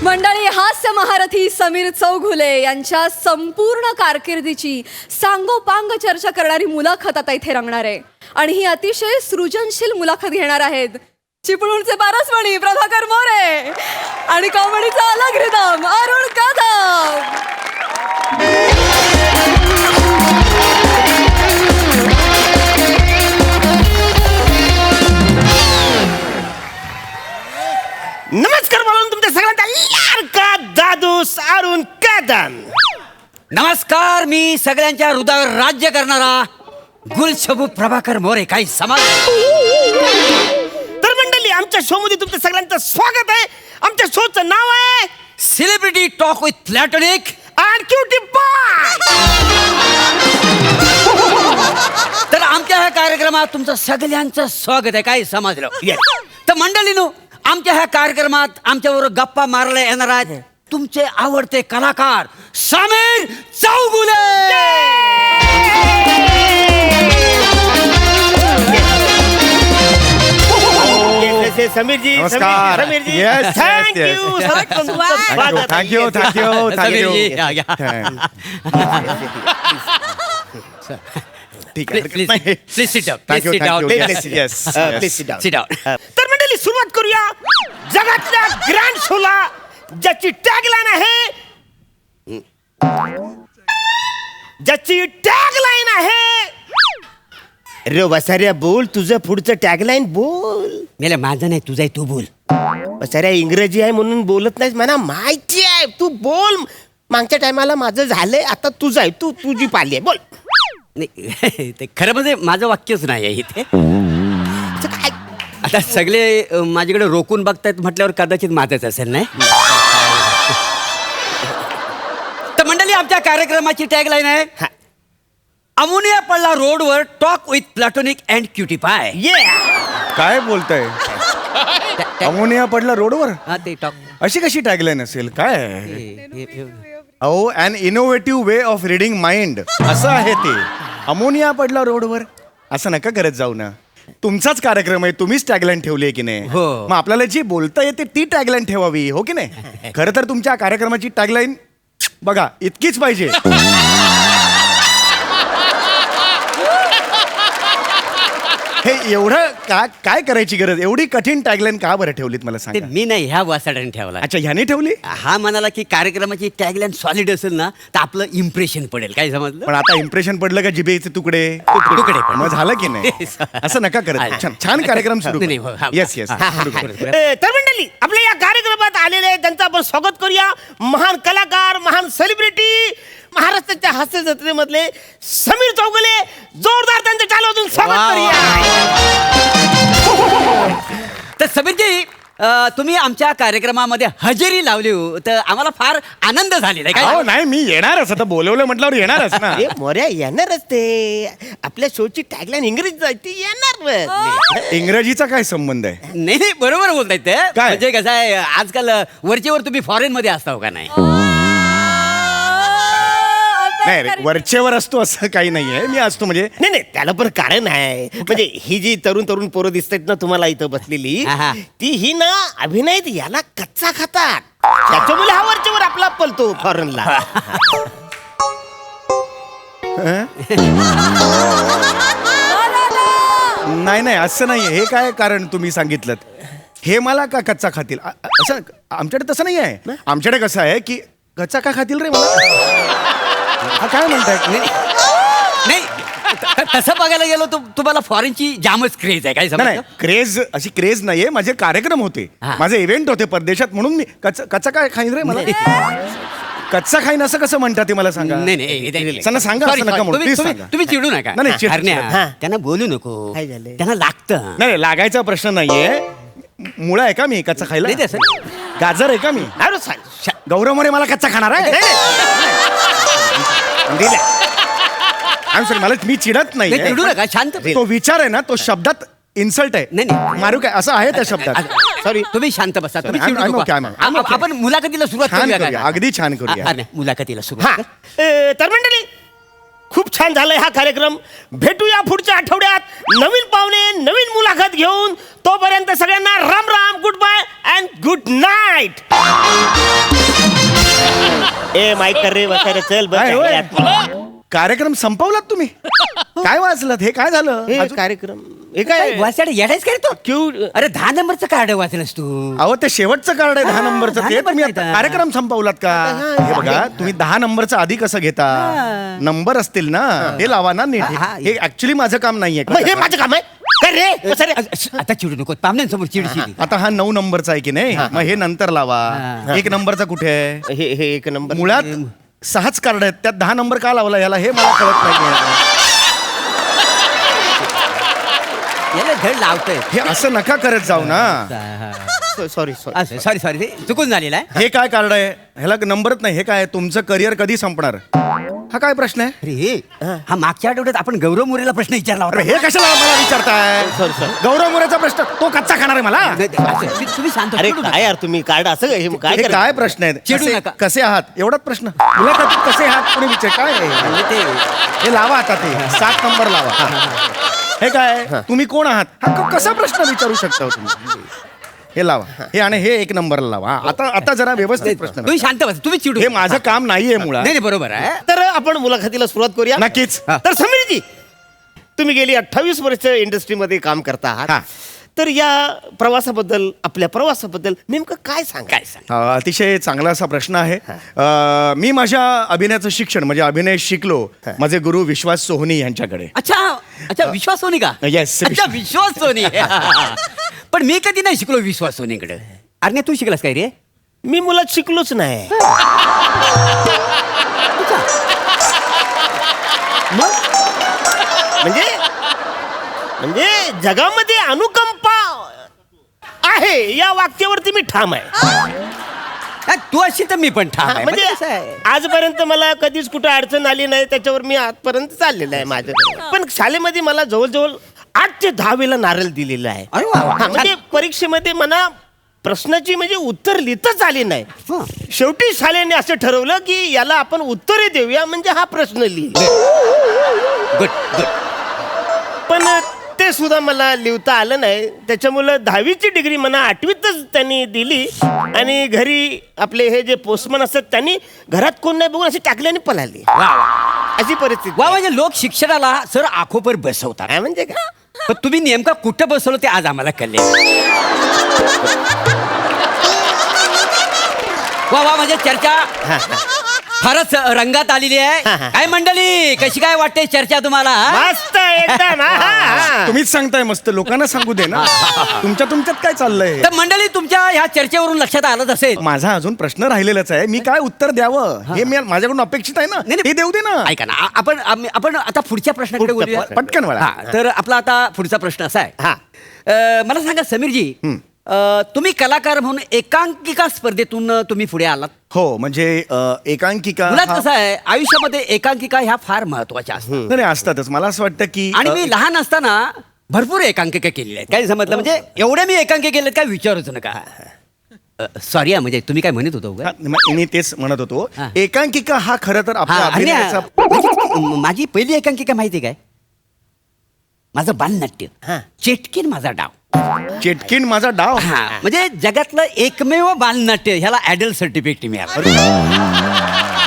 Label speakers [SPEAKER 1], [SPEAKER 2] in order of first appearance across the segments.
[SPEAKER 1] मंडळी, हास्य महारथी समीर चौघुले यांच्या संपूर्ण कारकिर्दीची सांगोपांग चर्चा करणारी मुलाखत आता इथे रंगणार आहे आणि ही अतिशय सृजनशील मुलाखत घेणार आहेत चिपळूणचे पारसमणी प्रभाकर मोरे आणि कॉमेडीचा अलग रिदम अरुण कदम.
[SPEAKER 2] नमस्कार म्हणून तुमच्या सगळ्यांचा लाडका दादू अरुण कदम.
[SPEAKER 3] नमस्कार, मी सगळ्यांच्या हृदयावर राज्य करणारा गुलशबू प्रभाकर मोरे. काही समाज.
[SPEAKER 2] तर मंडळी, आमच्या शो मध्ये तुमचं सगळ्यांचं स्वागत आहे. आमच्या शोचं नाव आहे
[SPEAKER 3] celebrity talk with platonic
[SPEAKER 2] and cutie pie.
[SPEAKER 3] तर आमच्या ह्या कार्यक्रमात तुमचं सगळ्यांचं स्वागत आहे. काही समजलं? तर मंडळीनो, आमच्या ह्या कार्यक्रमात आमच्याबरोबर गप्पा मारले येणार आहेत तुमचे आवडते कलाकार समीर चौघुले.
[SPEAKER 2] समीरजी,
[SPEAKER 4] नमस्कार.
[SPEAKER 2] समीरजी,
[SPEAKER 4] Yes, yes,
[SPEAKER 2] thank you.
[SPEAKER 4] yes. Thank you.
[SPEAKER 3] समीरजी, या, या.
[SPEAKER 4] ठीक आहे.
[SPEAKER 3] Please sit down.
[SPEAKER 4] Thank you,
[SPEAKER 3] Please sit
[SPEAKER 4] thank
[SPEAKER 3] down.
[SPEAKER 4] you.
[SPEAKER 3] Please
[SPEAKER 4] Yes, yes.
[SPEAKER 2] Please sit down.
[SPEAKER 3] sit down.
[SPEAKER 2] तर मंडळी, सुरुवात करूया जगातल्या ग्रँड शोला, ज्याची टॅगलाईन आहे रे वसाऱ्या, बोल तुझं पुढचं टॅगलाईन बोल.
[SPEAKER 3] मेले माझं नाही, तुझं आहे, तू बोल.
[SPEAKER 2] वसाऱ्या, इंग्रजी आहे म्हणून बोलत नाहीस, मला माहिती आहे, तू बोल. मागच्या टायमाला माझं झालंय, आता तुझं आहे, तू तुझी पाली आहे, बोल.
[SPEAKER 3] नाही, ते खरं म्हणजे माझं वाक्यच नाही आहे इथे.
[SPEAKER 2] काय
[SPEAKER 3] आता सगळे माझ्याकडे रोखून बघतायत म्हटल्यावर कदाचित माझंच असेल. नाही तर मंडळी, आमच्या कार्यक्रमाची टॅगलाईन आहे अमोनिया पडला रोडवर talk with platonic and cutie pie.
[SPEAKER 4] काय बोलताय? अमोनिया पडला रोडवर?
[SPEAKER 3] हा, ते टॉक.
[SPEAKER 4] अशी कशी टॅगलाईन असेल? काय अहो, an innovative way of reading mind असं आहे ते. अमोनिया पडला रोडवर असं नका करत जाऊ ना. तुमचाच कार्यक्रम आहे, तुम्हीच टॅगलाईन ठेवली आहे की नाही?
[SPEAKER 3] हो.
[SPEAKER 4] मग आपल्याला जी बोलता येते ती टॅगलाईन ठेवावी, हो की नाही? खरं तर तुमच्या कार्यक्रमाची टॅगलाईन बघा इतकीच पाहिजे. हे एवढं काय करायची गरज? एवढी कठीण टॅगलाईन का बरं ठेवलीत मला
[SPEAKER 3] ते
[SPEAKER 4] सांगा.
[SPEAKER 3] मी नाही, ह्या वासाड्याने ठेवला.
[SPEAKER 4] अच्छा, ह्याने ठेवली?
[SPEAKER 3] हा म्हणाला की कार्यक्रमाची टॅगलाईन सॉलिड असेल ना तर आपलं इम्प्रेशन पडेल. काय समजलं?
[SPEAKER 4] पण आता इम्प्रेशन पडलं का जिभेचे तुकडे
[SPEAKER 3] तुकडे पण.
[SPEAKER 4] मग झालं की नाही? असं नका करत. छान कार्यक्रम सुरू.
[SPEAKER 3] नाही, हो, हा.
[SPEAKER 4] Yes yes.
[SPEAKER 2] तर मंडळी, आपल्या या कार्यक्रमात आलेले त्यांचं आपण स्वागत करूया. महान कलाकार, महान सेलिब्रिटी, महाराष्ट्राच्या हास्य जत्रेमधले समीर चौगुले. जोरदार त्यांचं चालवून स्वागत
[SPEAKER 3] वा,
[SPEAKER 2] करूया.
[SPEAKER 3] तर समीरजी, तुम्ही आमच्या कार्यक्रमामध्ये हजेरी लावली हो, तर आम्हाला फार आनंद झालेला आहे.
[SPEAKER 4] हो
[SPEAKER 3] काय
[SPEAKER 4] नाही, मी येणारच. आता बोलवलं म्हटल्यावर येणारच ना.
[SPEAKER 2] अरे मोऱ्या, येणारच ते. आपल्या शोची टॅगलाईन इंग्रजीत आहे, ती येणार.
[SPEAKER 4] इंग्रजीचा काय संबंध आहे?
[SPEAKER 3] नाही नाही, बरोबर बोलतायत ते.
[SPEAKER 4] काय?
[SPEAKER 3] म्हणजे कसं आहे, आजकाल वरचेवर तुम्ही फॉरेन मध्ये असता का नाही?
[SPEAKER 4] नाही रे, वरचेवर असतो असं काही नाहीये. मी असतो म्हणजे
[SPEAKER 2] नाही, त्याला पण कारण आहे. म्हणजे ही जी तरुण पोरं दिसतात ना तुम्हाला इथं बसलेली,
[SPEAKER 3] हा.
[SPEAKER 2] ती ही ना अभिनय याला कच्चा खातात. त्याच्यामुळे हा वरच्यावर आपला पलतो फॉरेनला.
[SPEAKER 4] नाही असं नाहीये. हे काय कारण तुम्ही सांगितलं? हे मला का कच्चा खातील असं? आमच्याकडे तसं नाही आहे. आमच्याकडे कसं आहे की कच्चा का खातील रे मला? हा काय म्हणताय?
[SPEAKER 3] नाही, तसं बघायला गेलो तर तुम्हाला फॉरेनची जामच क्रेज आहे. काय
[SPEAKER 4] नाही
[SPEAKER 3] समजलं?
[SPEAKER 4] क्रेज अशी क्रेज नाहीये. माझे कार्यक्रम होते,
[SPEAKER 3] हा.
[SPEAKER 4] माझे इव्हेंट होते परदेशात, म्हणून मी कच्चा काय खाईन रे मला? कच्चा खाईन असं कसं म्हणतात ते मला सांगा.
[SPEAKER 3] नाही,
[SPEAKER 4] सांगा, सांगा.
[SPEAKER 3] Sorry,
[SPEAKER 4] असं नका
[SPEAKER 3] sorry.
[SPEAKER 4] म्हणू. Please
[SPEAKER 3] तुम्ही
[SPEAKER 4] सांगा.
[SPEAKER 3] तुम्ही चिडू नका.
[SPEAKER 4] नाही, नाही, चिड-
[SPEAKER 3] हरण्या,
[SPEAKER 2] हा.
[SPEAKER 3] त्यांना बोलू नको.
[SPEAKER 2] काय झालंय?
[SPEAKER 3] त्यांना लागतं.
[SPEAKER 4] नाही लागायचा प्रश्न नाहीये. मुळा आहे का मी कच्चा खायला?
[SPEAKER 3] नाही, तसं.
[SPEAKER 4] गाजर आहे का मी?
[SPEAKER 2] अरे सांग.
[SPEAKER 4] गौरव मोरे मला कच्चा खाणार आहे? I'm sorry, मला मी चिडत
[SPEAKER 3] नाही, चिडू
[SPEAKER 4] नाही.
[SPEAKER 3] नका, शांत.
[SPEAKER 4] तो विचार आहे ना, तो शब्दात इन्सल्ट आहे.
[SPEAKER 3] नाही, नाही.
[SPEAKER 4] मारू काय असं आहे त्या शब्दात.
[SPEAKER 3] सॉरी, तुम्ही शांत बसा. तुम्ही
[SPEAKER 4] I'm-
[SPEAKER 3] चिडू
[SPEAKER 4] I'm
[SPEAKER 3] नको.
[SPEAKER 4] okay, I'm okay.
[SPEAKER 3] आपण मुलाखतीला सुरुवात
[SPEAKER 4] छान
[SPEAKER 3] करूया
[SPEAKER 4] करूया,
[SPEAKER 3] का?
[SPEAKER 4] अगदी छान करूया.
[SPEAKER 3] नाही, मुलाखतीला
[SPEAKER 2] हा.
[SPEAKER 3] सुरुवात.
[SPEAKER 2] तर मंडळी, खूप छान झालंय हा कार्यक्रम. भेटूया पुढच्या आठवड्यात नवीन पाहुणे, नवीन मुलाखत घेऊन. तोपर्यंत सगळ्यांना Ram Ram, good bye and good night. ए माईक कर रे वगैरे चल बस
[SPEAKER 4] काय होय?
[SPEAKER 2] यार.
[SPEAKER 4] कार्यक्रम संपवलात तुम्ही काय वाचलात हे काय झालं
[SPEAKER 2] हे
[SPEAKER 4] अजून-
[SPEAKER 2] कार्यक्रम हे काय
[SPEAKER 3] वाचायला येडायच काय तो
[SPEAKER 2] क्यू
[SPEAKER 3] अरे 10 नंबरचं कार्ड वाचलंस तू
[SPEAKER 4] अहो ते शेवटचं कार्ड आहे 10 नंबरचं
[SPEAKER 3] 10
[SPEAKER 4] ते तुम्ही
[SPEAKER 3] नंबरचं
[SPEAKER 4] आता
[SPEAKER 3] आहे.
[SPEAKER 4] कार्यक्रम संपवलात का हे बघा तुम्ही 10 नंबरचं आधी कसं घेता नंबर असतील ना हे लावा ना नीट
[SPEAKER 3] हा, हा.
[SPEAKER 4] हे ऍक्च्युली माझं काम नाहीये
[SPEAKER 2] मग हे माझं काम आहे काय रे कसं रे
[SPEAKER 3] आता चिडू नको पाहुण्यांसमोर चिडशील
[SPEAKER 4] आता हा 9 नंबरचा आहे की नाही मग हे नंतर लावा
[SPEAKER 3] हा.
[SPEAKER 4] 1 नंबरचा कुठे आहे
[SPEAKER 2] हे एक नंबर
[SPEAKER 4] मुळात 6च कार्ड आहेत त्यात 10 नंबर का लावला याला हे मला कळत नाही
[SPEAKER 3] याला धड लावतोय
[SPEAKER 4] हे असं नका करत जाऊ ना
[SPEAKER 2] सॉरी सॉरी
[SPEAKER 3] सॉरी सॉरी चुकून झालेला आहे
[SPEAKER 4] हे काय कार्ड आहे ह्याला नंबरच नाही हे काय तुमचं करिअर कधी संपणार हा काय प्रश्न आहे
[SPEAKER 3] अरे हा मागच्या आठवड्यात आपण गौरव मोरेला प्रश्न विचारला
[SPEAKER 4] अरे
[SPEAKER 3] होता
[SPEAKER 4] हे कशाला मला विचारताय
[SPEAKER 2] Sorry.
[SPEAKER 4] गौरव मोरेचा प्रश्न तो कच्चा खाणार आहे मला
[SPEAKER 3] नाही, असं, तुम्ही शांत
[SPEAKER 2] अरे
[SPEAKER 3] चिडू नका.
[SPEAKER 2] काय यार तुम्ही कार्ड असं काय हे काय
[SPEAKER 4] हे
[SPEAKER 2] करता?
[SPEAKER 4] काय प्रश्न आहेत
[SPEAKER 3] चिडू
[SPEAKER 4] कसे-
[SPEAKER 3] नका.
[SPEAKER 4] कसे आहात एवढाच प्रश्न मुलाखतीत कसे आहात कोणी विचार काय आहे?
[SPEAKER 3] म्हणजे ते
[SPEAKER 4] हे लावा आता ते 7 नंबर लावा हे काय तुम्ही कोण आहात हा कसा प्रश्न विचारू शकता हो तुम्ही हे लावा हे आणि हे 1 नंबरला लावा हा, आता जरा व्यवस्थित प्रश्न
[SPEAKER 3] तुम्ही शांत बस तुम्ही चिडू
[SPEAKER 4] हे
[SPEAKER 3] नका.
[SPEAKER 4] माझं काम नाहीये मुळात
[SPEAKER 3] नाही नाही, बरोबर आहे
[SPEAKER 2] तर आपण मुलाखतीला सुरुवात करूया
[SPEAKER 4] नक्कीच
[SPEAKER 2] तर समीरजी तुम्ही गेली 28 वर्ष इंडस्ट्रीमध्ये काम करता
[SPEAKER 4] हा.
[SPEAKER 2] आहात तर या प्रवासाबद्दल आपल्या प्रवासाबद्दल नेमकं काय सांग
[SPEAKER 4] अतिशय चांगला असा प्रश्न आहे मी माझ्या अभिनयाचं शिक्षण म्हणजे अभिनय शिकलो माझे गुरु विश्वास सोहनी यांच्याकडे
[SPEAKER 3] अच्छा अच्छा विश्वास सोनी का
[SPEAKER 4] Yes,
[SPEAKER 3] अच्छा विश्वास सोनी पण मी कधी नाही शिकलो विश्वास सोनीकडे अरे तू शिकलास काय रे
[SPEAKER 2] मी मुलात शिकलोच नाही म्हणजे म्हणजे जगामध्ये अनुकंपा आहे या वाक्यावरती मी ठाम आहे
[SPEAKER 3] हा, तू अशी तर मी पण ठाम आहे.
[SPEAKER 2] म्हणजे
[SPEAKER 3] म्हणजे कसं आहे?
[SPEAKER 2] आजपर्यंत मला कधीच कुठे अडचण आली नाही त्याच्यावर मी आजपर्यंत चाललेलं आहे माझं पण शाळेमध्ये मला जवळजवळ 8 ते 10 वेळेला नारळ दिलेला आहे
[SPEAKER 3] अरे वा, वा.
[SPEAKER 2] हा, म्हणजे परीक्षेमध्ये मला प्रश्नाची म्हणजे उत्तर लिहिताच आली नाही
[SPEAKER 3] हं.
[SPEAKER 2] शेवटी शाळेने असं ठरवलं की याला आपण उत्तरे देऊया म्हणजे हा प्रश्न लिहिल
[SPEAKER 3] गुड गुड
[SPEAKER 2] पण ते सुद्धा मला लिहिता आलं नाही त्याच्यामुळं 10वीची डिग्री मला 8वीतच त्यांनी दिली आणि घरी आपले हे जे पोस्टमन असतात त्यांनी घरात कोण नाही बघून अशी टाकली आणि पळाली अशी परिस्थिती
[SPEAKER 3] वा
[SPEAKER 2] आहे.
[SPEAKER 3] म्हणजे लोक शिक्षणाला सर आखोपर बसवतात
[SPEAKER 2] काय म्हणजे का
[SPEAKER 3] पण तुम्ही नेमका कुठं बसवलं ते आज आम्हाला कळले वा वा म्हणजे चर्चा फारच रंगात आलेली आहे काय मंडळी कशी काय वाटते चर्चा तुम्हाला
[SPEAKER 2] मस्त एकदम हा, हा, हा.
[SPEAKER 4] तुम्हीच सांगताय मस्त लोकांना सांगू दे ना तुमच्यात काय चाललंय
[SPEAKER 3] तर मंडळी तुमच्या ह्या चर्चेवरून लक्षात आलंच असेल
[SPEAKER 4] माझा अजून प्रश्न राहिलेलाच आहे मी काय उत्तर द्यावं हे माझ्याकडून अपेक्षित आहे ना
[SPEAKER 3] नाही, नाही.
[SPEAKER 4] हे देऊ दे ना
[SPEAKER 3] ऐका ना आपण आता पुढच्या प्रश्नाकडे बोलूया
[SPEAKER 4] पटकन वळा.
[SPEAKER 3] हा, तर आपला आता पुढचा प्रश्न असा आहे
[SPEAKER 2] हा.
[SPEAKER 3] मला सांगा समीरजी तुम्ही कलाकार म्हणून एकांकिका स्पर्धेतून तुम्ही पुढे आलात
[SPEAKER 4] हो म्हणजे एकांकिका
[SPEAKER 3] मुळात
[SPEAKER 4] हा-
[SPEAKER 3] कसं आहे आयुष्यामध्ये एकांकिका ह्या फार महत्वाच्या असतात
[SPEAKER 4] नाही, नाही, असतातच मला असं वाटतं की
[SPEAKER 3] आणि मी लहान असताना भरपूर एकांकिका केलेल्या आहेत काय समजलं म्हणजे एवढ्या मी एकांकिका केल्यात काय विचारूच नका सॉरी म्हणजे तुम्ही काय म्हणत होतो उगा?
[SPEAKER 4] मी तेच म्हणत होतो
[SPEAKER 3] हा.
[SPEAKER 4] एकांकिका हा खरं तर आपल्या
[SPEAKER 3] हा, आणि
[SPEAKER 4] अभिनयाचा
[SPEAKER 3] माझी पहिली एकांकिका माहिती काय माझं बालनाट्य
[SPEAKER 2] हा.
[SPEAKER 3] चेटकीन माझा डाव
[SPEAKER 4] चेटकीन माझा डाव
[SPEAKER 3] हा म्हणजे जगातलं एकमेव बालनाट्य ह्याला ऍडल सर्टिफिकेट मिळालं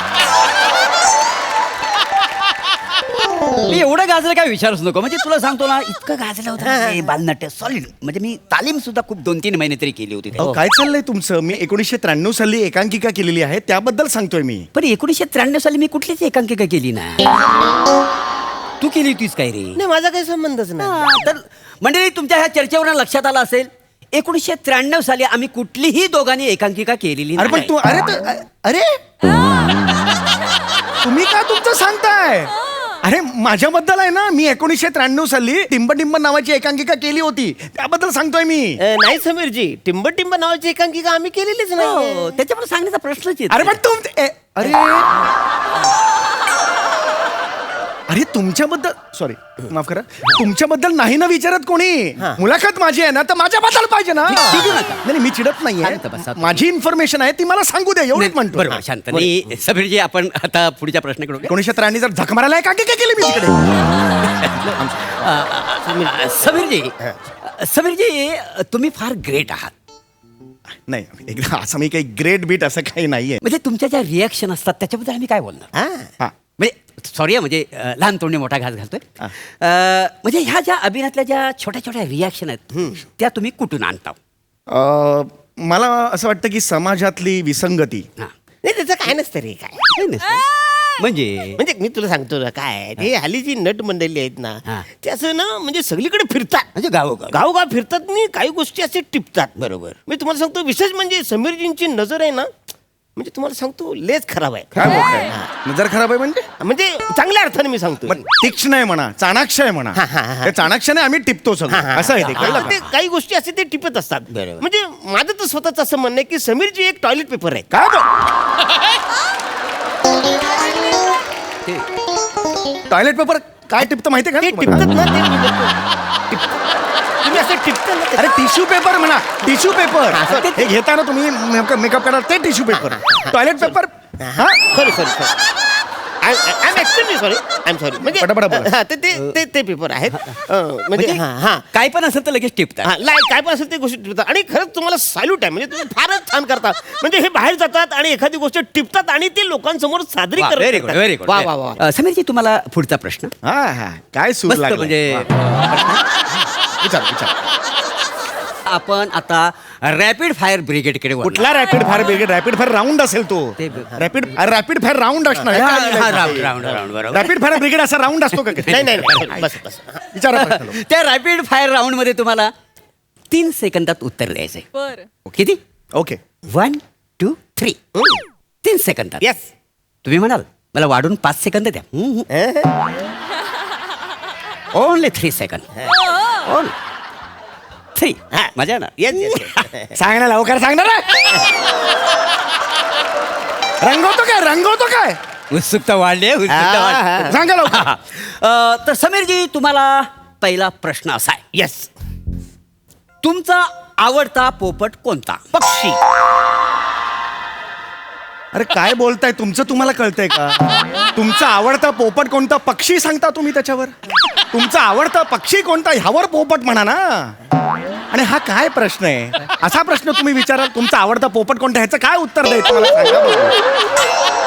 [SPEAKER 3] मी एवढं गाजलं काय विचारूच नको म्हणजे तुला सांगतो ना इतकं गाजलं होतं ना ते बालनाट्य सॉलिड म्हणजे मी तालीम सुद्धा खूप 2-3 महिने तरी केली होती
[SPEAKER 4] अहो, काय चाललंय तुमचं मी 1993 साली एकांकिका केलेली आहे त्याबद्दल सांगतोय मी
[SPEAKER 3] पण 1993 साली मी कुठलीच एकांकिका केली ना तू केली होतीस काय रे
[SPEAKER 2] नाही माझा काही संबंधच नाही
[SPEAKER 3] हा, तर मंडळी तुमच्या ह्या चर्चेवरून लक्षात आलं असेल 1993 साली आम्ही कुठलीही दोघांनी एकांकिका केलेली
[SPEAKER 4] अरे पण
[SPEAKER 3] नाही.
[SPEAKER 4] तू अरे तुम्ही का तुमचं सांगताय अरे माझ्याबद्दल आहे ना मी 1993 साली टिंब नावाची एकांकिका केली होती त्याबद्दल सांगतोय मी
[SPEAKER 2] नाही समीरजी टिंब टिंब नावाची एकांकिका आम्ही केलेलीच नाही
[SPEAKER 3] हो, त्याच्यामुळे सांगण्याचा प्रश्नच येत
[SPEAKER 4] अरे
[SPEAKER 3] नाही.
[SPEAKER 4] पण अरे अरे तुमच्याबद्दल सॉरी माफ करा तुमच्याबद्दल नाही ना विचारत कोणी मुलाखत माझी आहे ना तर माझ्याबद्दल पाहिजे ना
[SPEAKER 3] चिडू नका.
[SPEAKER 4] नाही मी चिडत
[SPEAKER 3] शांत
[SPEAKER 4] नाहीये
[SPEAKER 3] बसा.
[SPEAKER 4] माझी इन्फॉर्मेशन आहे ती मला सांगू दे एवढंच
[SPEAKER 3] नाही,
[SPEAKER 4] म्हणतो
[SPEAKER 3] बरोबर शांत नाही समीरजी आपण आता पुढच्या प्रश्नाकडे वळूया.
[SPEAKER 4] 1993 जर झक मारायला एकांकिका केली मी तिकडे
[SPEAKER 3] समीरजी समीरजी तुम्ही फार ग्रेट आहात
[SPEAKER 4] नाही एकदा असं मी काही ग्रेट बीट असं काही नाहीये.
[SPEAKER 3] म्हणजे तुमच्या ज्या रिॲक्शन असतात त्याच्याबद्दल आम्ही काय बोलणार?
[SPEAKER 4] हा
[SPEAKER 3] म्हणजे सॉरी म्हणजे लहान तोंडी मोठा घास घालतोय. म्हणजे ह्या ज्या अभिनयातल्या ज्या छोट्या छोट्या रिॲक्शन आहेत त्या तुम्ही कुठून आणता?
[SPEAKER 4] मला असं वाटतं की समाजातली विसंगती
[SPEAKER 3] हा.
[SPEAKER 2] नाही त्याचं काय नसतं रे काय
[SPEAKER 3] काही नसतं. म्हणजे
[SPEAKER 2] म्हणजे मी तुला सांगतो ना काय हे हल्ली जी नट मंडळी आहेत ना
[SPEAKER 3] हा.
[SPEAKER 2] ते असं ना म्हणजे सगळीकडे फिरतात
[SPEAKER 3] म्हणजे गावोगाव
[SPEAKER 2] गावगाव फिरतात आणि काही गोष्टी असे टिपतात.
[SPEAKER 3] बरोबर.
[SPEAKER 2] मी तुम्हाला सांगतो विशेष म्हणजे समीरजींची नजर आहे ना म्हणजे तुम्हाला सांगतो लेच खराब आहे.
[SPEAKER 4] काय बोलताय? नजर खराब आहे म्हणजे
[SPEAKER 2] म्हणजे चांगल्या अर्थाने मी सांगतो.
[SPEAKER 4] पण तीक्ष्ण आहे म्हणा, चाणाक्ष आहे म्हणा.
[SPEAKER 2] हा, हा, हा.
[SPEAKER 4] त्या चाणाक्षने आम्ही टिपतो सगळं असं आहे ते, कळलं का?
[SPEAKER 2] ते काही गोष्टी असे ते टिपत असतात.
[SPEAKER 3] बरोबर.
[SPEAKER 2] म्हणजे माझं तर स्वतःच असं म्हणणं आहे की समीरजी एक टॉयलेट पेपर आहे.
[SPEAKER 4] काय टॉयलेट पेपर काय टिपतं माहितीये का
[SPEAKER 2] ते
[SPEAKER 4] तुम्हाला?
[SPEAKER 2] टिपतात ना ते तुम्ही असं टिपता ना
[SPEAKER 4] अरे टिश्यू पेपर म्हणा, टिश्यू पेपर
[SPEAKER 2] हा,
[SPEAKER 4] हे घेताना तुम्ही मेकअप करा ते tissue paper. Toilet paper
[SPEAKER 2] sorry I am extremely sorry I am sorry म्हणजे
[SPEAKER 4] पटापटा बोला.
[SPEAKER 2] हा, ते पेपर आहेत म्हणजे हा
[SPEAKER 3] काय पण असेल तर लगेच टिपतात.
[SPEAKER 2] काय पण असेल ते गोष्टी टिपतात आणि खरंच तुम्हाला सॅल्यूट आहे म्हणजे तुम्ही फारच छान करता. म्हणजे हे बाहेर जातात आणि एखादी गोष्ट टिपतात आणि ते लोकांसमोर सादरी
[SPEAKER 3] व्हेरी गुड व्हेरी
[SPEAKER 2] करतात. वा वा वा
[SPEAKER 3] गुड. समीरजी तुम्हाला पुढचा प्रश्न
[SPEAKER 4] हा हा काय सूर
[SPEAKER 3] मस्त
[SPEAKER 4] लागला
[SPEAKER 3] म्हणजे
[SPEAKER 4] विचार विचार.
[SPEAKER 3] आपण आता रॅपिड फायर ब्रिगेडकडे वळणार.
[SPEAKER 4] कुठला rapid fire brigade? Rapid fire round असेल तो.
[SPEAKER 3] ते-
[SPEAKER 4] रॅपिड फायर राऊंड असणार
[SPEAKER 3] राऊंड राऊंड राऊंड बरोबर.
[SPEAKER 4] रॅपिड फायर ब्रिगेड असा राऊंड असतो का?
[SPEAKER 2] नाही नाही बस बस
[SPEAKER 4] विचारा प्रश्न लो.
[SPEAKER 3] त्या रॅपिड फायर राऊंड मध्ये तुम्हाला 3 सेकंदात उत्तर द्यायचंय.
[SPEAKER 1] बर.
[SPEAKER 3] किती?
[SPEAKER 4] ओके
[SPEAKER 3] 1 2 3 3 सेकंदात.
[SPEAKER 2] येस
[SPEAKER 3] तुम्ही म्हणाल मला वाढून 5 सेकंद द्या. Only 3 second. ओनली 3. मजा ना.
[SPEAKER 2] येस
[SPEAKER 4] सांग ना लवकर सांग ना रे. रंगवतो काय
[SPEAKER 3] उत्सुकता वाढली आहे, उत्सुकता वाढली.
[SPEAKER 4] सांगा लवकर.
[SPEAKER 3] तर समीरजी तुम्हाला पहिला प्रश्न असा आहे.
[SPEAKER 2] येस
[SPEAKER 3] तुमचा आवडता पोपट कोणता?
[SPEAKER 2] पक्षी
[SPEAKER 4] अरे काय बोलताय? तुमचं तुम्हाला कळतंय का? तुमचा आवडता पोपट कोणता? पक्षी सांगता तुम्ही त्याच्यावर? तुमचा आवडता पक्षी कोणता ह्यावर पोपट म्हणा ना. आणि हा काय प्रश्न आहे? असा प्रश्न तुम्ही विचाराल तुमचा आवडता पोपट कोणता ह्याचं काय उत्तर द्यायचं मला सांगा बघू.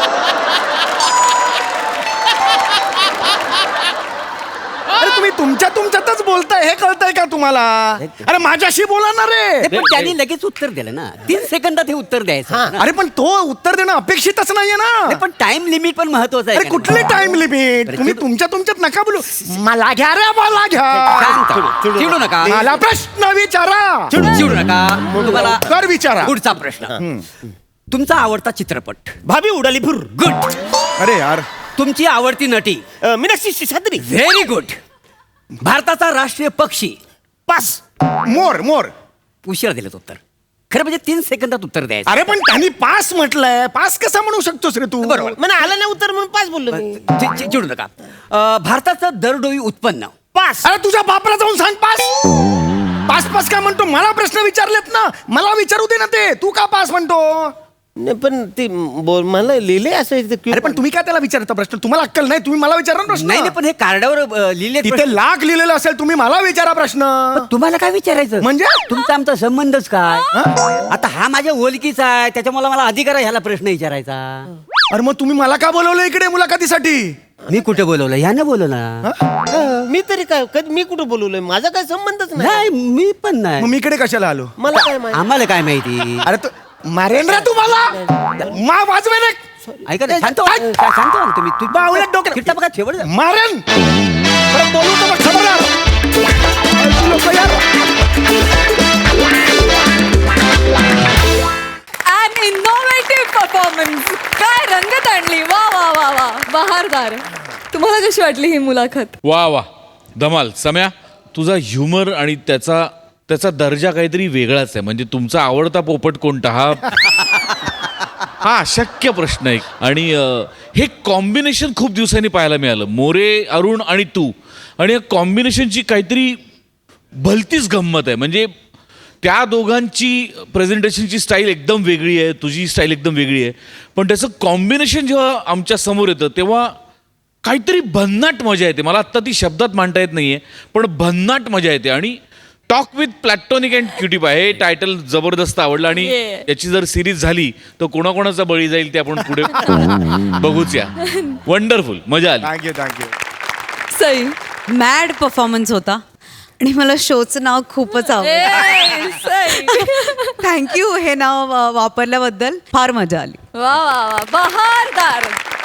[SPEAKER 4] अरे तुम्ही तुमच्यातच बोलताय हे कळतंय का तुम्हाला? अरे माझ्याशी बोला ना रे.
[SPEAKER 3] नाही, पण त्यांनी लगेच उत्तर दिलं ना. 3 सेकंदात हे उत्तर द्यायचं होतं ना.
[SPEAKER 4] अरे पण तो उत्तर देणं अपेक्षितच नाहीये ना.
[SPEAKER 3] नाही, पण टाइम लिमिट पण महत्वाचं आहे.
[SPEAKER 4] अरे कुठली टाइम लिमिट? तुम्ही तुमच्यात नका बोलू. मला घ्या रे, मला घ्या.
[SPEAKER 3] चिडू नका.
[SPEAKER 4] मला प्रश्न विचारा.
[SPEAKER 3] चिडू नका. तुम्हाला
[SPEAKER 4] कर विचारा.
[SPEAKER 3] पुढचा प्रश्न. तुमचा आवडता चित्रपट?
[SPEAKER 2] भाभी उडाली फुर.
[SPEAKER 3] गुड.
[SPEAKER 4] अरे यार
[SPEAKER 3] तुमची आवडती नटी?
[SPEAKER 2] मीनाक्षी शेषाद्री.
[SPEAKER 3] Very good. भारताचा राष्ट्रीय पक्षी?
[SPEAKER 2] पास.
[SPEAKER 4] मोर.
[SPEAKER 3] उशिरा दिलं उत्तर. खरं म्हणजे 3 सेकंदात उत्तर द्यायचं.
[SPEAKER 4] अरे पण त्यांनी पास म्हटलंय. पास कसा म्हणू शकतोस रे तू?
[SPEAKER 3] बरोबर.
[SPEAKER 2] मला आलं नाही उत्तर म्हणून पास बोललो मी.
[SPEAKER 3] चिडू नका. भारताचं दरडोई उत्पन्न?
[SPEAKER 2] पास.
[SPEAKER 4] अरे तुझ्या बापला जाऊन सांग पास. पास काय म्हणतो? मला प्रश्न विचारलेत ना, मला विचारू दे ना ते. तू का पास म्हणतो?
[SPEAKER 2] नाही पण ते मला लिहिले असं
[SPEAKER 4] अरे पण तुम्ही काय त्याला विचारता प्रश्न? तुम्हाला अक्कल नाही? तुम्ही मला विचारा ना प्रश्न.
[SPEAKER 3] नाही पण हे कार्डावर लिहिले
[SPEAKER 4] तिथे लाख लिहिलेलं असेल. तुम्ही मला विचारा प्रश्न.
[SPEAKER 3] तुम्हाला काय विचारायचं?
[SPEAKER 4] म्हणजे?
[SPEAKER 3] तुमचा आमचा संबंधच काय? आता हा माझ्या ओळखीचा आहे त्याच्यामुळे मला अधिकार आहे ह्याला प्रश्न विचारायचा.
[SPEAKER 4] अरे मग तुम्ही मला का बोलवलं इकडे मुलाखतीसाठी?
[SPEAKER 3] मी कुठे बोलवलं? ह्यानं बोलवलं.
[SPEAKER 2] मी तरी काय कधी मी कुठं बोलवलंय? माझा काय संबंधच नाही.
[SPEAKER 3] नाही मी पण
[SPEAKER 4] मग
[SPEAKER 3] नाही.
[SPEAKER 4] मी इकडे कशाला आलो?
[SPEAKER 2] मला काय माहिती.
[SPEAKER 3] आम्हाला काय माहिती?
[SPEAKER 4] अरे तू मारेन रे तुम्हाला. मा वाजवे रे.
[SPEAKER 3] ऐका ना, शांत व्हा. शांत व्हा ना तुम्ही. तू
[SPEAKER 4] बावळट डोक्यात.
[SPEAKER 3] चिट्टा बघा शेवट.
[SPEAKER 4] मारेन. परत बोलू तर मग खबरदार. तू लोकं यार.
[SPEAKER 1] An innovative performance. काय रंगत आणली. वा वा वा वा बहारदार. तुम्हाला कशी वाटली ही मुलाखत?
[SPEAKER 5] वा वा धमाल. सम्या तुझा ह्युमर आणि त्याचा दर्जा काहीतरी वेगळाच आहे. म्हणजे तुमचा आवडता पोपट कोणता हा अशक्य प्रश्न आहे. आणि हे कॉम्बिनेशन खूप दिवसांनी पाहायला मिळालं. मोरे, अरुण आणि तू. आणि या कॉम्बिनेशनची काहीतरी भलतीच गंमत आहे. म्हणजे त्या दोघांची प्रेझेंटेशनची स्टाईल एकदम वेगळी आहे, तुझी स्टाईल एकदम वेगळी आहे. पण त्याचं कॉम्बिनेशन जेव्हा आमच्या समोर येतं तेव्हा काहीतरी भन्नाट मजा येते. मला आत्ता ती शब्दात मांडता येत नाही आहे पण भन्नाट मजा येते. आणि talk with platonic and cutie pie हे टायटल जबरदस्त आवडलं आणि याची जर सिरीज झाली तर कोणाकोणाचा बळी जाईल ते आपण पुढे बघूच या. वंडरफुल, मजा आली.
[SPEAKER 4] Thank you thank you.
[SPEAKER 1] Sai.
[SPEAKER 6] Mad performance होता आणि मला शोचं नाव खूपच आवडलं.
[SPEAKER 1] सई.
[SPEAKER 6] थँक्यू हे नाव वापरल्याबद्दल फार मजा आली.
[SPEAKER 1] वा वा वा, बहारदार.